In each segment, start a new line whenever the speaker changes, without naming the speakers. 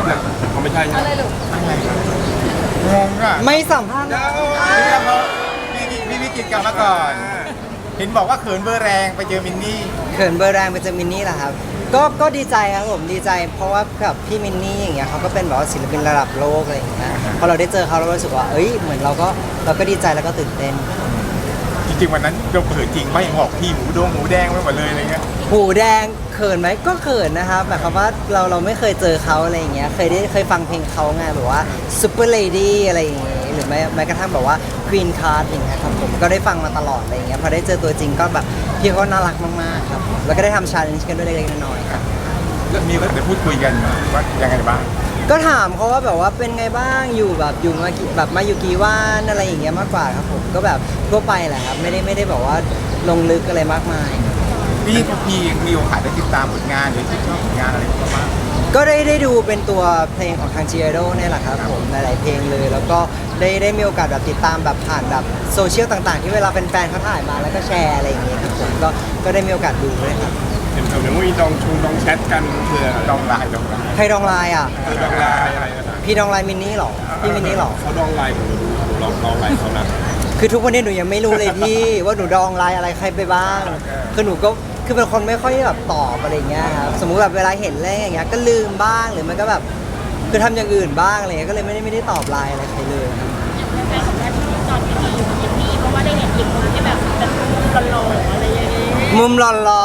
มอ่ะเขาไม่ใช่ใช่ไหม
อะไรลูก
อะไรครับงงอ่ะ
ไม่สัมภาษณ์
พี่วิกิตกลับมาก่อน เห็นบอกว่าเขินเบอร์แรงไปเจอมินนี่
เขินเบอร์แรงไปเจอมินนี่แหละครับก็ดีใจครับผมดีใจเพราะว่ากับพี่มินนี่อย่างเงี้ยเขาก็เป็นแบบว่าศิลปินระดับโลกอะไรอย่างเงี้ยพอเราได้เจอเขาเรารู้สึกว่าเอ้ยเหมือนเราก็ดีใจแล้วก็ตื่นเต้น
จริงๆวันนั้นเราเขินจริงไหมหอกพี่หมูแดงไปหมดเลยอะไรเงี้ย
หูแดงเขินไหมก็เขินนะครับแบบคำว่าเราไม่เคยเจอเขาอะไรอย่างเงี้ยเคยฟังเพลงเขาไงแบบว่า Super Lady อะไรอย่างเงี้ยหรือแม้กระทั่งแบบว่า Queen Card อย่างเงี้ยครับผมก็ได้ฟังมาตลอดอะไรอย่างเงี้ยพอได้เจอตัวจริงก็แบบพี่เขาน่ารักมากๆครับแล้วก็ได้ทำ challenge กันด้วยเล็กๆน้อยๆครับ
แล้วมีก็ได้พูดคุยกันว่ายังไงบ้าง
ก็ถามเขาว่าแบบว่าเป็นไงบ้างอยู่แบบอยู่มากี่แบบมาอยู่กี่วันอะไรอย่างเงี้ยมากกว่าครับผมก็แบบทั่วไปแหละครับไม่ได้แบบว่าลงลึกอะไรมากมาย
พี่มีโอกาสได้ติดตามผลงานหรือที่ชอบผลงานอะไรบ้าง
ก็ได้ดูเป็นตัวเพลงของทาง G-IDLE เนี่ยแหละครับผมหลายๆเพลงเลย แล้วก็ได้มีโอกาสแบบติดตามแบบผ่านแบบโซเชียลต่างๆ ที่เวลาเป็นแฟนเขาถ่ายมาแล้วก็แชร์อะไรอย่างเงี้ยครับผมก็ได้มีโอกาสดูด้วยครับ
เห็นเดี๋ยวมีดองแชทกันเพื่อดองไลน์
ใครดองไลน์อ่ะ
ดองไลน์อะไรนะ
พี่ดองไลน์มินนี่หรอพี่มินนี่หรอ
เขาดองไลน์ผมดูลองไลน์เขานะ
คือทุกวันนี้หนูยังไม่รู้เลยพี่ ว่าหนูดองไลน์อะไรใครไปบ้างคือหนูก็คือเป็นคนไม่ค่อยแบบตอบอะไรอย่างเงี้ยครับสมมุติแบบเวลาเห็นอะไรอย่างเงี้ยก็ลืมบ้างหรือมันก็แบบคือทำอย่างอื่นบ้างอะไรเงี้ยก็เลยไม่ได้ตอบไลน์อะไรใครเลยครับ
แฟนของแพทที่ตอนที่มีอยู่ยินดีเพราะว่าได้เห็นอีกคนที่แบบเป็นหล่อๆอะไรอย่างเงี้ย
มุมหล่อ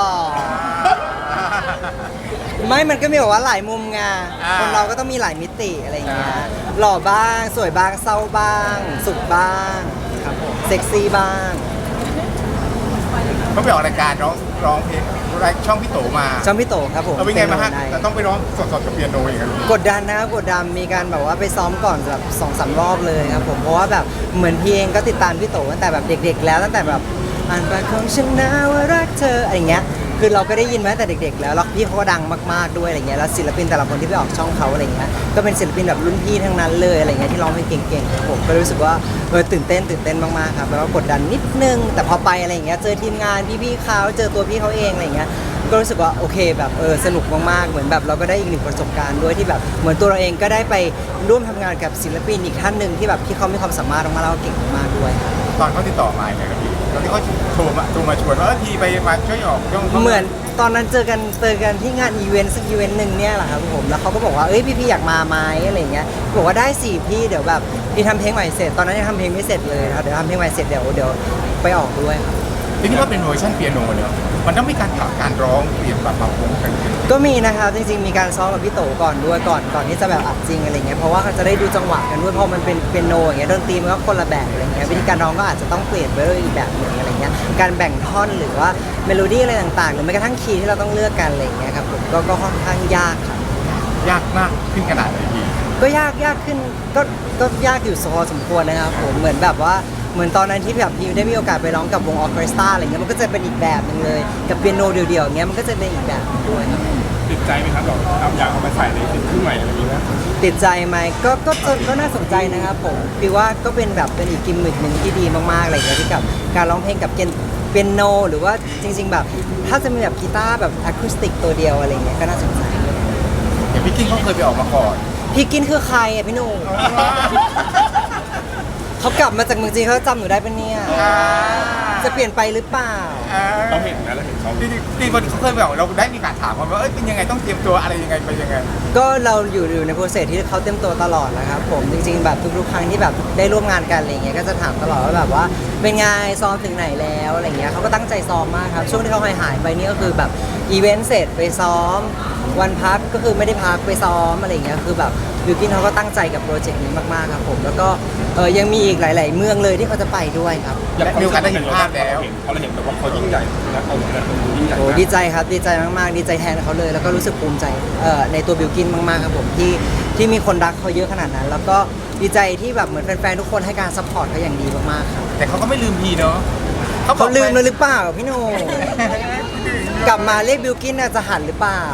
ๆไม่มันก็มีแบบว่าหลายมุมไงคนเราก็ต้องมีหลายมิติอะไรอย่างเงี้ยหล่อบ้างสวยบ้างเศร้าบ้าง สุขบ้างครับผมเซ็กซี่บ้าง
เขาไปออกรายการร้องเพลงช่องพี่โตมา
จอมพี่โตครับผม
เป็นไงบ้างฮะ
ได้
แต่ต้องไปร้องสดๆกับเปียโนอย่างนั้น
กดดันนะครับกดดันมีการแบบว่าไปซ้อมก่อนแบบ2-3 รอบเลยครับผมเพราะว่าแบบเหมือนพี่เองก็ติดตามพี่โตตั้งแต่แบบเด็ก ๆ แล้วตั้งแต่แบบอ่านปากของฉันนะว่ารักเธออะไรอย่างเงี้ยคือเราก็ได้ยินมาตั้งแต่เด็กๆแล้วแล้วพี่เขาก็ดังมากๆด้วยอะไรเงี้ยแล้วศิลปินแต่ละคนที่ไปออกช่องเขาอะไรเงี้ยก็เป็นศิลปินแบบรุ่นพี่ทั้งนั้นเลยอะไรเงี้ยที่ร้องเพลงเก่งๆครับผมก็รู้สึกว่าตื่นเต้นมากๆครับแล้วก็กดดันนิดนึงแต่พอไปอะไรเงี้ยเจอทีมงานพี่ๆเขาเจอตัวพี่เขาเองอะไรเงี้ยก็รู้สึกว่าโอเคแบบสนุกมากๆเหมือนแบบเราก็ได้อีกหนึ่งประสบการณ์ด้วยที่แบบเหมือนตัวเราเองก็ได้ไปร่วมทำงานกับศิลปินอีกท่านหนึ่งที่แบบที่เขามีความสามารถมากๆแล้วก็เก่งมากๆด้วยครับ
ตอนเขาติดต่อมาเนี่ยครับพี่ตอนที่เขาโทรมาชวนว่าพี่ไปมาช่วยออกช่อง
เหมือนตอนนั้นเจอกันที่งานอีเวนต์สักอีเวนต์หนึ่งเนี่ยแหละครับผมแล้วเขาก็บอกว่าเอ้ยพี่อยากมาไหมอะไรเงี้ยบอกว่าได้สิพี่เดี๋ยวแบบพี่ทำเพลงใหม่เสร็จตอนนั้นยังทำเพลงไม่เสร็จเลยครับเดี๋ยวทำเพลงใหม่เสร็จเดี๋ยวไปออกด้วยครับ
ทีนี้ว่าเป็นเวอร์ชันเปียโนเนี่ยมันต้องมีการปรับการร้องเปลี่ยนปรับปรุงกัน
ก็มีนะครับจริงๆมีการซ้อมกับพี่โตก่อนด้วยก่อนที่จะแบบอัดจริงอะไรเงี้ยเพราะว่าเขาจะได้ดูจังหวะกันด้วยเพราะมันเป็นเปียโนอย่างเงี้ยดนตรีมันก็คนละแบบอะไรเงี้ยวิธีการร้องก็อาจจะต้องเปลี่ยนไปด้วยอีกแบบหนึ่งอะไรเงี้ยการแบ่งท่อนหรือว่าเมโลดี้อะไรต่างๆหรือแม้กระทั่งคีย์ที่เราต้องเลือกกันอะไรเงี้ยครับผมก็ค่อนข้างยากครับ
ยากมากขึ้นขนาดไหนพี่
ก็ยากขึ้นก็ยากอยู่พอสมควรนะครับผมเหมือนแบบว่าเหมือนตอนนั้นที่แบบพี่ได้มีโอกาสไปร้องกับวงออร์เคสตราอะไรเงี้ยมันก็จะเป็นอีกแบบหนึงเลยกับเปียโนเดี่ยวๆเงี้ยมันก็จะเป็นอีกแบบหนึ่งด้วยครับ
ติดใจไหมครับเราอยากเอามาใส่ในสิ่งที่ใหม่อะไรอย่างนี้นะ
ติดใจไหมก็น่าสนใจนะครับผมคือว่าก็เป็นแบบเป็นอีกกิมมิคหนึ่งที่ดีมากๆอะไรเงี้ยที่กับการร้องเพลงกับเปียโนหรือว่าจริงๆแบบถ้าจะมีแบบกีตาร์แบบอะคูสติกตัวเดียวอะไรเงี้ยก็น่าสนใจ
อย่างพี่กิ้งเขาเคยไปออกมาก่อน
พี่กินคือใครอ่ะพี่หนุ่มเขากลับมาจากเมืองจีนเขาจำหนูได้ปะเนี่ยจะเปลี่ยนไปหรือเปล่า
เราเห็นนะเราเห็นเขาที่คนเขาเคยบอกเราได้มีการถามเขาว่าเป็นยังไงต้องเตรียมตัวอะไรยังไงไปยังไง
ก็เราอยู่ในโปรเซสที่เขาเต็มตัวตลอดนะครับผมจริงๆแบบทุกๆครั้งที่แบบได้ร่วมงานกันอะไรเงี้ยก็จะถามตลอดว่าแบบว่าเป็นไงซ้อมถึงไหนแล้วอะไรเงี้ยเขาก็ตั้งใจซ้อมมากครับช่วงที่เขาหายไปนี่ก็คือแบบอีเวนต์เสร็จไปซ้อมวันพักก็คือไม่ได้พักไปซ้อมอะไรเงี้ยคือแบบบิวกินเขาก็ตั้งใจกับโปรเจกต์นี้มากๆครับผมแล้วก็ยังมีอีกหลาย ๆ เมืองเลยที่เขาจะไปด้วยครับ
มีโอกาสได้เห็นภาพแล้ว
เขาเห็นแบบว่าเขายิ่งใหญ่นะเขาแบบยิ่งใหญ่
โอ้
มาก
ดีใจครับดีใจมากๆดีใจแทนเขาเลยแล้วก็รู้สึกภูมิใจในตัวบิวกินมากๆครับผมที่มีคนรักเขาเยอะขนาดนั้น แล้วก็ดีใจที่แบบเหมือนแฟนๆทุกคนให้การซัพพอร์ตเขาอย่างดีมากๆครับ
แต่เขาก็ไม่ลืมพี่เนาะ
เขาลืมเลยหรือเปล่าพี่โหนงกลับมาเรียกบิวกินน่ะจะหันหรือเปล่า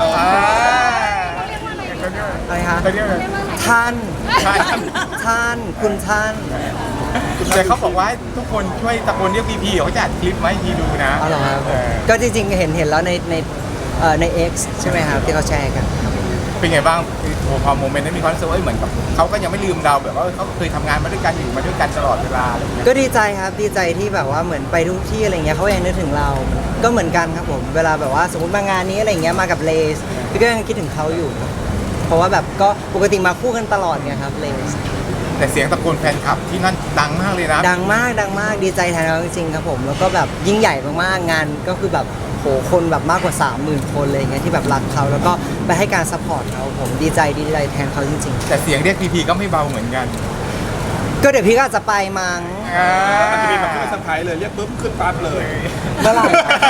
อะไรคะ
เขาเรียกอะไร
ท่าน
ใช่
ท่านคุณท่าน
แต่เขาบอกว่าทุกคนช่วยตะโกนเรียกพี่เขาจะอัดคลิปมาให้พี่ดูนะ
อ๋อเหรอครับก็จริงๆเห็นแล้วในX ใช่ไหมครับที่เขาแชร์กันครับ
เป็นไงบ้างคือพอโมเมนต์นั้นมีความรู้สึกว่าเหมือนกับเขาก็ยังไม่ลืมเราแบบว่าเขาเคยทำงานมาด้วยกันอยู่มาด้วยกันตลอดเวลาอะไรอย่างเงี้ย
ก็ดีใจครับดีใจที่แบบว่าเหมือนไปทุกที่อะไรเงี้ยเขายังนึกถึงเรา ก็เหมือนกันครับผมเวลาแบบว่าสมมติมางานนี้อะไรเงี้ยมากับเลสพี่ก็ยังคิดถึงเขาอยู่ เพราะว่าแบบก็ปกติมาคู่กันตลอดไงครับเลส
แต่เสียงตะโกนแฟนคลับที่นั่นดังมากเลยนะ
ดังมากดีใจแทนเขาจริงๆครับผมแล้วก็แบบยิ่งใหญ่มากๆงานก็คือแบบโหคนแบบมากกว่า 30,000 คนเลยเงี้ยที่แบบรักเขาแล้วก็ไปให้การซัพพอร์ตเขาผมดีใจแทนเขาจริง
แต่เสียงเรียกพีพีก็ไม่เบาเหมือนกัน
ๆ ก็เดี๋ยวพี่ก็อาจจะไปมั้ง
มันจะมีแบบที่เป็นเซอร์ไพรส์เลยเรียกปุ๊บขึ้นปั๊บเลย
เมื่อไหร่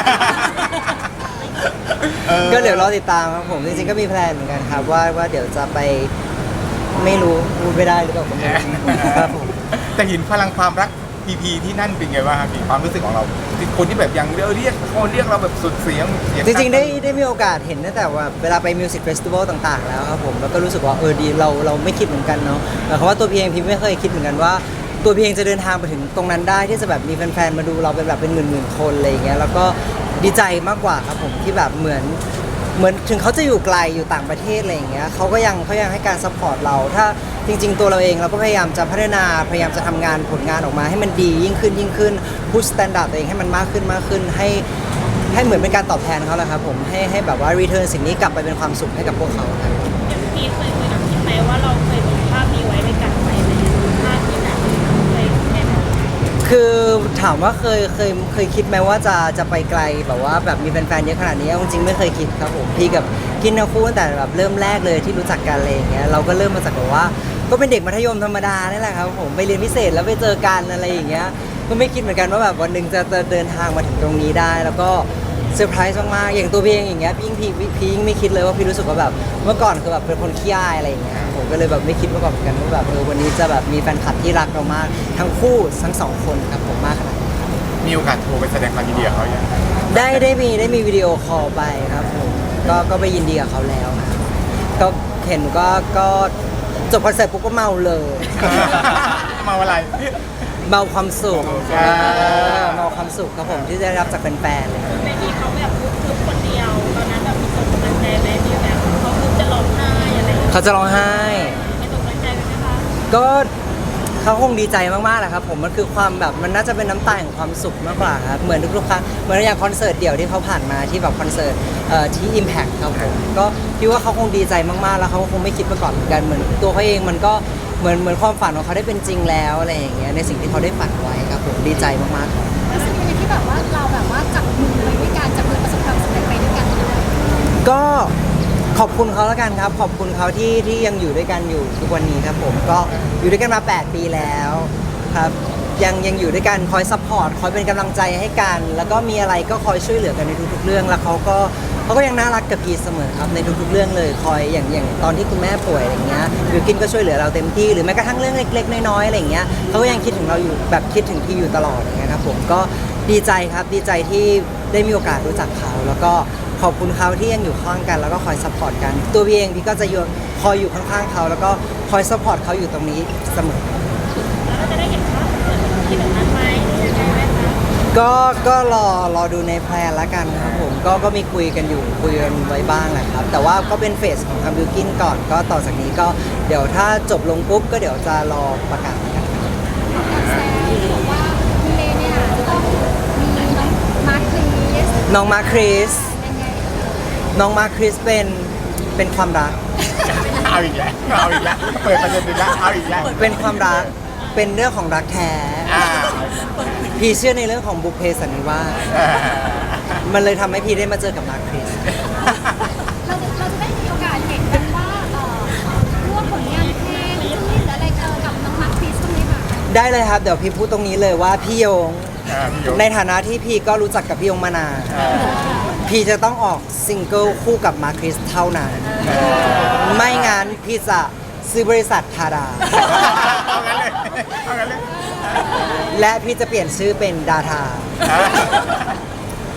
ก็เดี๋ยวรอติดตามครับผมจริงๆก็มีแพลนเหมือนกันครับว่าเดี๋ยวจะไปไม่รู้พูดไม่ได้หรือเปล่าผมไม่รู้ครับผม
แต่เห็นพลังความรักพีพีที่นั่นเป็นไงบ้างครับพี่ความรู้สึกของเราคนที่แบบยังเรียกคนเรียกเราแบบสุดเสียง
จริงๆได้มีโอกาสเห็นตั้งแต่ว่าเวลาไปมิวสิกเฟสติวัลต่างๆแล้วครับผมแล้วก็รู้สึกว่าดีเราไม่คิดเหมือนกันเนาะเพราะว่าตัวพี่เองพี่ไม่เคยคิดเหมือนกันว่าตัวพี่เองจะเดินทางไปถึงตรงนั้นได้ที่จะแบบมีแฟนๆมาดูเราเป็นแบบเป็นหมื่นๆคนอะไรอย่างเงี้ยแล้วก็ดีใจมากกว่าครับผมที่แบบเหมือนถึงเขาจะอยู่ไกลอยู่ต่างประเทศอะไรอย่างเงี้ยเขายังให้การซัพพอร์ตเราถ้าจริงๆตัวเราเองเราก็พยายามจะพัฒนาพยายามจะทำงานผลงานออกมาให้มันดียิ่งขึ้นพุชสแตนดาร์ดตัวเองให้มันมากขึ้นให้เหมือนเป็นการตอบแทนเขาแหละครับผมให้แบบว่ารีเทิร์นสิ่งนี้กลับไปเป็นความสุขให้กับพวกเขาครับ
อย่างพี่เคยคุยกับคิดไหมว่าเราเคยลงภาพนี้ไว้ในการไปไหมภาพที่แบบเคยแอบ
คือถามว่าเคยคิดไหมว่าจะไปไกลแบบว่าแบบมีแฟนๆเยอะขนาดนี้จริงๆไม่เคยคิดครับผมพี่กับกินทั้งคู่ตั้งแต่แบบเริ่มแรกเลยที่รู้จักกันอะไรอย่างเงี้ยเราก็เริ่มมาจากแบบว่าก็เป็นเด็กมัธยมธรรมดานี่แหละครับผมไปเรียนพิเศษแล้วไปเจอกันอะไรอย่างเงี้ยก็ไม่คิดเหมือนกันว่าแบบวันหนึ่งจะเดินทางมาถึงตรงนี้ได้ แล้วก็เซอร์ไพรส์มากๆอย่างตัวพี่เองอย่างเงี้ยพี่ยิ่งไม่คิดเลยว่าพี่รู้สึกว่าแบบเมื่อก่อนคือแบบเป็นคนขี้อายอะไรอย่างเงี้ยผมก็เลยแบบไม่คิดมาก่อนเหมือนกันว่าแบบวันนี้จะแบบมีแฟนคลับที่รักเรามากทั้งคู่ทั้งสองคนครับผมมากขนาดนี้
มีโอกาสโทรไปแสดงความยินดีกับเขาอย่าง
ได้มีวิดีโอคอลไปครับผมก็ไปยินดีกับเขาแล้วครับก็เห็นก็จบคอนเสิร์ตปุ๊บก็เมาเลย
มาอะไร
เมาความสุขเมาความสุขครับผมที่ได้รับจากแฟนๆเลย
ในที่เขาแบบพูดคนเดียวตอนนั้นแบบมีส่งกำลังใจไหมมีแบบเขาพูดจะร้องไห้อะไรอย่างเงี้ย
เขาจะร้องไห้
ไม่ส่งกำลังใจไหมคะ
ก็เขาคงดีใจมากๆแหละครับผมมันคือความแบบมันน่าจะเป็นน้ำตาแห่งความสุขมากกว่าครับเหมือนทุกๆครั้งเหมือนอย่างคอนเสิร์ตเดี่ยวที่เขาผ่านมาที่แบบคอนเสิร์ตที่ Impact ครับผมก็พี่ว่าเขาคงดีใจมากๆแล้วเขาก็คงไม่คิดมาก่อนเหมือนกันเหมือนตัวเขาเองมันก็เหมือนความฝันของเขาได้เป็นจริงแล้วอะไรอย่างเงี้ยในสิ่งที่เขาได้ฝันไว้ครับผมดีใจมากๆครับ
รู้สึกยังไงที่แบบว่าเราแบบว่าจับมือไปด้วยกันจับมือประสบความสำเร็จไปด้วยกันด้วย
ก็ขอบคุณเขาแล้วกันครับขอบคุณเขาที่ยังอยู่ด้วยกันอยู่ทุกวันนี้ครับผมก็อยู่ด้วยกันมา 8 ปีแล้วครับยังอยู่ด้วยกันคอยซัพพอร์ตคอยเป็นกำลังใจให้กัน แล้วก็มีอะไรก็คอยช่วยเหลือกันในทุกๆเรื่องแล้วเขาก็ยังน่ารักกับพีเสมอครับในทุกๆเรื่องเลยคอยอย่างตอนที่คุณแม่ป่วยอะไรเงี้ยบิวกินก็ช่วยเหลือเราเต็มที่หรือแม้กระทั่งเรื่องเล็กๆน้อยๆอะไรเงี้ยเขาก็ยังคิดถึงเราอยู่แบบคิดถึงพี่อยู่ตลอดอย่างเงี้ยครับผมก็ดีใจครับดีใจที่ได้มีโอกาสรู้จักเขาแล้วก็ขอบคุณเขาที่ยังอยู่ข้างกันแล้วก็คอยซัพพอร์ตกันตัวพี่เองพี่ก็จะคอยอยู่ข้างๆเขาแล้วก็คอยซัพพอร์ตเขาอยู่ตรงนี้เสมอ
แล้วเราจะได้เห็นภาพเกิดที่แบบนั้นไหมยังไงไหมคะ
ก็รอดูในแพลนละกันครับผมก็มีคุยกันไว้บ้างแหละครับแต่ว่าก็เป็นเฟสของทางบิวกินก่อนก็ต่อจากนี้ก็เดี๋ยวถ้าจบลงปุ๊บก็เดี๋ยวจะรอประกาศกัน
แซมบอกว่าคุณเลเนี่ยจะต้องมีน้องมาร์คลีส
น้องมาคริส
ยังไง
น้องมาคริสเป็นความรัก
เอาอีกแล้วเปิดประเด็นอีกแล้วเอาอีกแล้ว
เป็นความรักเป็นเรื่องของรักแท้
อ่า
พี่เชื่อในเรื่องของบุพเพสันนิวาสมันเลยทำให้พี่ได้มาเจอกับมาคริส
เราจะได้มีโอกาสเห็นกันว่าร่วมผลงานเพลงหรืออะไรกับน้องมาร์คลีสตรงนี้ค่ะ
ได้เลยครับเดี๋ยวพี่พูดตรงนี้เลยว่าพี่โยง
พี่โยง
ในฐานะที่พี่ก็รู้จักกับพี่ยงมานานพี่จะต้องออกซิงเกิลคู่กับมาคริสเท่านั้น ไม่งั้นพี่จะซื้อบริษัททาดา
เอางั้นเลยเอางั้นเลย
และพี่จะเปลี่ยนชื่อเป็นดาทา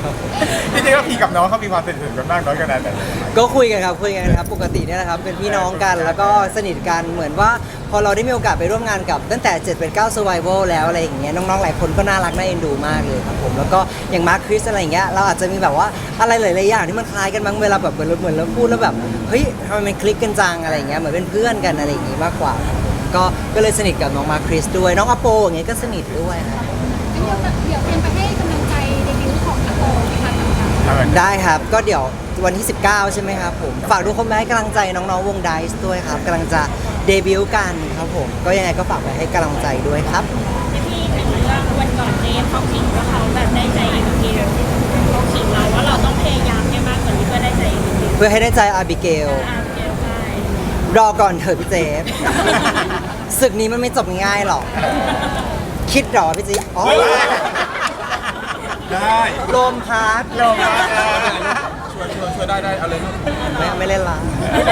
ครับ
จริงๆแล้วพี่กับน้องเขามีความสนิทกันมากน้อยขนาดไหน
ก็คุยกันครับปกติเนี่ยนะครับเป็นพี่น้องกันแล้วก็สนิทกันเหมือนว่าพอเราได้มีโอกาสไปร่วมงานกับตั้งแต่7เป็น9 Survival แล้วอะไรอย่างเงี้ยน้องๆหลายคนก็น่ารักน่าเอ็นดูมากเลยครับผมแล้วก็อย่างมาร์คคริสอะไรอย่างเงี้ยเราอาจจะมีแบบว่าอะไรหลายๆอย่างที่มันคล้ายกันบางเวลาแบบเหมือนเราพูดแล้วแบบเฮ้ยทำไมมันคลิกกันจังอะไรอย่างเงี้ยเหมือนเป็นเพื่อนกันอะไรอย่างงี้มากกว่าครับผมก็เลยสนิทกับน้องมาร์คคริสด้วยน้องอโปอย่างเงี้ยก็สนิทด้วยครับ
เดี๋ยวเตรียมไปให้กำลังใจเดบิวต์ของอาโปนะคะ
ได้ครับก็เดี๋ยววันที่ 19 ใช่ไหมครับผมฝากทุกคนไปให้กำลังใจน้องๆวงไดซ์ด้วยครับกำลังจะเดบิวต์กันครับผมก็ยังไงก็ฝากไปให้กำลังใจด้วยครับ
พี่ถึงเรื่องวันก่อนเจฟเขาขิงว่าเขาแบบได้ใจเอ็มเกลเขาขิงเราว่าเราต้องพยายามให้มากกว่านี้เพื่อได้ใจเอ็มเกล
เพื่อให้ได้ใจอาบิเกล
เกลใช่
รอก่อนเถอะพี่เจฟ ศึกนี้มันไม่จบง่ายๆหรอก คิดหรอพี่เจฟอ๋อ
ได้
ลมพัด
ลงมา
ช่วยได้เอาเลยลูก
ไม่เล่นละ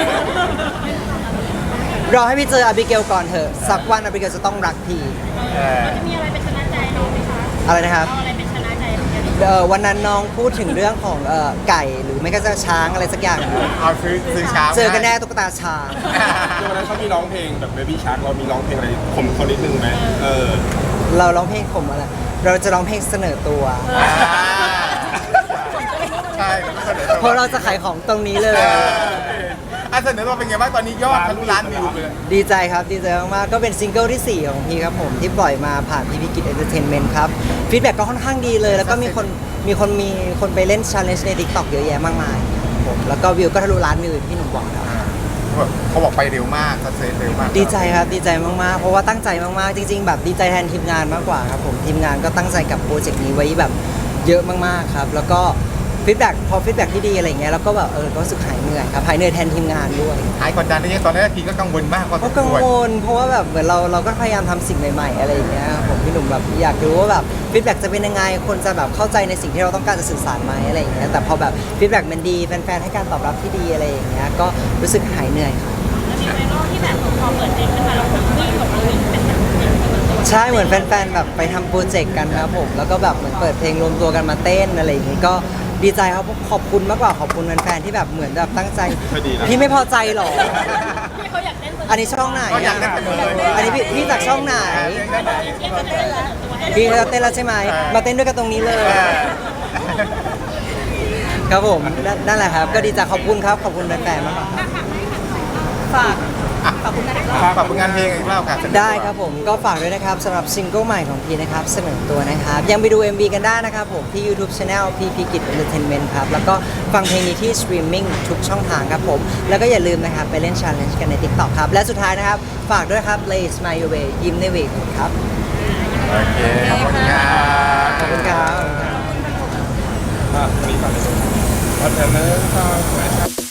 รอให้พี่เจออาบิเกลก่อนเถอะสักวันอาบิเกลจะต้องรักพี่
มีอะไรเป็นชนะใจน้องไหมคะ
อะไรนะครับ
เอาอะไรเป็นชนะใจน้องเนี่ย
วันนั้นน้องพูดถึงเรื่องของไก่หรือไม่ก็จะช้างอะไรสักอย่าง
เอาซื้อช้า
เจอกันแน่ตุ๊กตาช้าง
คือวันนั้นเขามีร้องเพลงแบบ Baby Shark เรามีร้องเพลงอะไรผมเขานิดนึงไหม
เราร้องเพลงผมอะไรเราจะร้องเพลงเสนอตัว
ใช่
เพราะเราจะขายของตรงนี้เลย
เสนอตัวเป็นไงบ้างตอนนี้ยอดทะลุล้านวิวเลย
ดีใจครับดีใจมากๆก็เป็นซิงเกิลที่ 4 ของพี่ครับผมที่ปล่อยมาผ่านพี่พิกิจเอนเตอร์เทนเมนต์ครับฟีดแบ็กก็ค่อนข้างดีเลย แล้วก็มีคนไปเล่น challenge ใน TikTok เยอะแยะมากมายครับผมแล้วก็วิวก็ทะลุล้านวิวอย่างที่หนุ่มบอกครับ
เขาบอกไปเร็วมากสักเซสเร็วมาก
ดีใจครับดีใจมากๆเพราะว่าตั้งใจมากๆจริง ๆ แบบดีใจแทนทีมงานมากกว่าครับผมทีมงานก็ตั้งใจกับโปรเจกต์นี้ไว้แบบเยอะมากๆครับแล้วก็ฟีดแบ็กพอฟีดแบ็กที่ดีอะไรเงี้ยแล้วก็แบบก็รู้สึกหายเหนื่อยครับหายเหนื่อยแทนทีมงานด้วย
หายกดดันได้ยังตอนแรกพี่ก็กังวลมากพอส
ก็
ม
กัง
ควร
วลเพราะว่าแบบเหมือนเราก็พยายามทำสิ่งใหม่ๆอะไรอย่างเงี้ยครับผมพี่หนุ่มแบบอยากรู้ว่าแบบฟีดแบ็กจะเป็นยังไงคนจะแบบเข้าใจในสิ่งที่เราต้องการจะสื่อสารไหมอะไรอย่างเงี้ยแต่พอแบบฟีดแบ็กมันดีแฟนๆให้การตอบรับที่ดีอะไรอย่างเงี้ยก็รู้สึกหายเหนื่อยครับ
แล้วมีไวรัลที่แบบพอเปิดเพลงขึ้นมาแล้วคนวิ่งบอกว่าวิ่งเป็นแบบตัว
ใช่เหมือนแฟนๆแบบไปทำโปรเจกต์กันครับผมแล้วก็แบบเหมือนเปิดเพลงรวมตัวกันมาเต้นอะไรอย่างงี้ก็ดีใจครับขอบคุณมากกว่าขอบคุณแฟนๆที่แบบเหมือนแบบตั้งใจพี่ไม่พอใจหรอ
พี่เขาอยากเต้นตัว
อันนี้ช่องไหน
ก็อยากได้เสนอเลย
อันนี้พี่จากช่องไหน
พี่เขาจะเต้นตัวให้
พี่เขาจะเต้นแล้วใช่ไหมมาเต้นด้วยกันตรงนี้เลย ครับผมนั่นแหละครับก็ดีใจขอบคุณครับขอบคุณแฟนๆมากครับ
ฝากขอบคุณนะ
ฝากผลงานเพลงอีกรอบค่ะ
ได้ครับผมก็ฝากด้วยนะครับสำหรับซิงเกิลใหม่ของพีนะครับเสนอตัวนะครับยังไปดู MV กันได้นะครับผมที่ YouTube Channel พีพีกิจ Entertainment ครับแล้วก็ฟังเพลงนี้ที่สตรีมมิ่งทุกช่องทางครับผมแล้วก็อย่าลืมนะครับไปเล่น Challenge กันใน TikTok ครับและสุดท้ายนะครับฝากด้วยครับ Lay Smile Your Way ยิ้มในเวทครับ
โอเคขอบคุณครับ
ขอบคุณครับ
มีก่อนเลยเพราะฉะนั้น